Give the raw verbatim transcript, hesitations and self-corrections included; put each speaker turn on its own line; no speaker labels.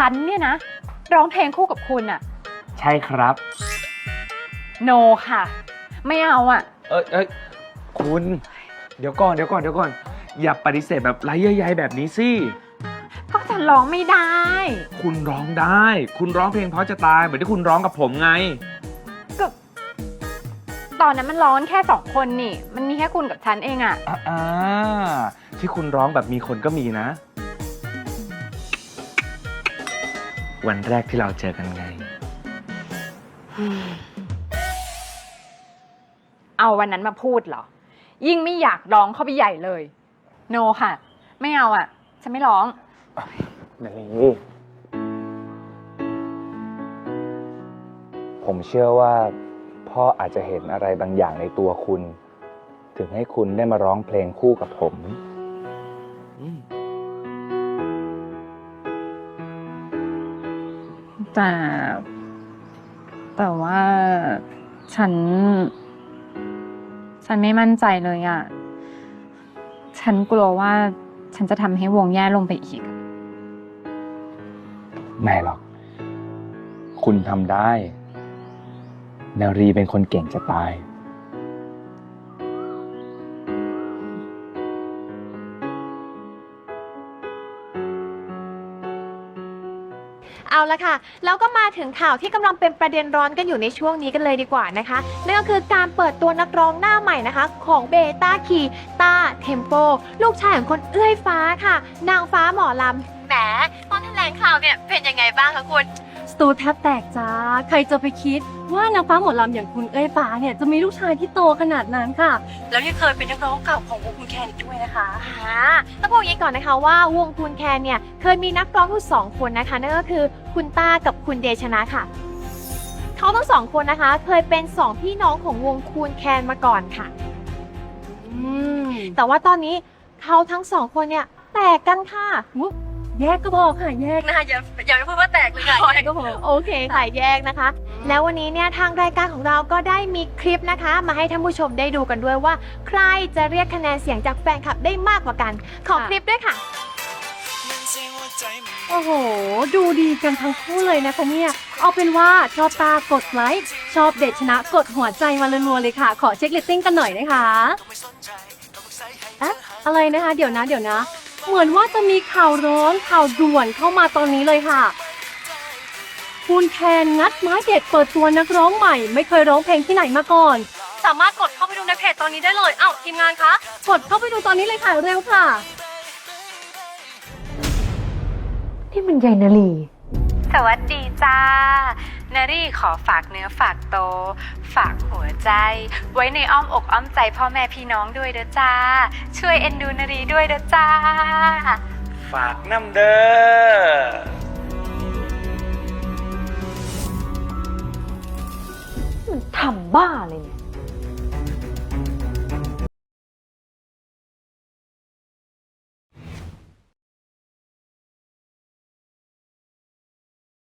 ฉันเนี่ยนะร้องเพลงคู่กับคุณอะ
ใช่ครับ
โนค่ะ ไม่เอาอะ
เอ้ยเอ้ยคุณเดี๋ยวก่อนเดี๋ยวก่อนเดี๋ยวก่อนอย่าปฏิเสธแบบไร้เยื่อใยแบบนี้สิ
ก็ฉันร้องไม่ได้
คุณร้องได้ คุณร้องเพลงเพราะจะตายเหมือนที่คุณร้องกับผมไง
ก็ตอนนั้นมันร้องแค่สองคนนี่มันมีแค่คุณกับฉันเองอะ
อ่าที่คุณร้องแบบมีคนก็มีนะวันแรกที่เราเจอกันไง
เอาวันนั้นมาพูดเหรอยิ่งไม่อยากร้องเข้าไปใหญ่เลยโนค่ะ ไม่เอาอ่ะฉันไม่ร้อง
นาลีผมเชื่อว่าพ่ออาจจะเห็นอะไรบางอย่างในตัวคุณ ถึงให้คุณได้มาร้องเพลงคู่กับผม
แต่แต่ว่าฉันฉันไม่มั่นใจเลยอ่ะฉันกลัวว่าฉันจะทำให้วงแย่ลงไปอีก
ไม่หรอกคุณทำได้นารีเป็นคนเก่งจะตาย
เอาละค่ะแล้วก็มาถึงข่าวที่กำลังเป็นประเด็นร้อนกันอยู่ในช่วงนี้กันเลยดีกว่านะคะนั่นก็คือการเปิดตัวนักร้องหน้าใหม่นะคะของเบต้าคีตาเทมโปลูกชายของคนเอื้อยฟ้าค่ะนางฟ้าหมอลำแหมตอนแถลงข่าวเนี่ยเป็นยังไงบ้างคะคุณ
สตูแทบแตกจ้าใครจะไปคิดว่านางฟ้าหมอลำอย่างคุณเอ้ยฟ้าเนี่ยจะมีลูกชายที่โตขนาดนั้นค่ะแล้วยังเคยเป็นนักร้องเก่าของวงคุณแคนอีกด้วยนะคะ
อ่าต้องบอกอย่างนี้ก่อนนะคะว่าวงคุณแคนเนี่ยเคยมีนักร้องทั้งสองคนนะคะนั่นก็คือคุณต้ากับคุณเดชนะค่ะเขาทั้งสองคนนะคะเคยเป็นสองพี่น้องของวงคุณแคนมาก่อนค่ะอืมแต่ว่าตอนนี้เขาทั้งสองคนเนี่ยแตกกันค่ะ
แยกก็พอค่ะแยกนะคะอย่าอย่าไปพูดว่าแตกเลยค่ะแยกก็พอ
โอเคค่ะแยกนะคะแล้ววันนี้เนี่ยทางรายการของเราก็ได้มีคลิปนะคะมาให้ท่านผู้ชมได้ดูกันด้วยว่าใครจะเรียกคะแนนเสียงจากแฟนคลับได้มากกว่ากันขอคลิปด้วยค่ะ
โอ้โหดูดีกันทั้งคู่เลยนะคะเนี่ยเอาเป็นว่าชอบตากดไลค์ชอบเดชนะกดหัวใจมารัวๆเลยค่ะขอเช็คเรตติ้งกันหน่อยนะคะอะอะไรนะคะเดี๋ยวนะเดี๋ยวนะเหมือนว่าจะมีข่าวร้อนข่าวด่วนเข้ามาตอนนี้เลยค่ะคุณแคนงัดไม้เด็ดเปิดตัวนักร้องใหม่ไม่เคยร้องเพลงที่ไหนมาก่อนสามารถกดเข้าไปดูในเพจตอนนี้ได้เลยเอ้าทีมงานคะกดเข้าไปดูตอนนี้เลยค่ะเร็วค่ะ
ที่มันใหญ่นาลี
สวัสดีจ้านารีขอฝากเนื้อฝากตัวฝากหัวใจไว้ในอ้อมอกอ้อมใจพ่อแม่พี่น้องด้วยเด้อจ้าช่วยเอ็นดูนารีด้วยเด้อจ้า
ฝากน้ำเด้อ
มันทำบ้าเลย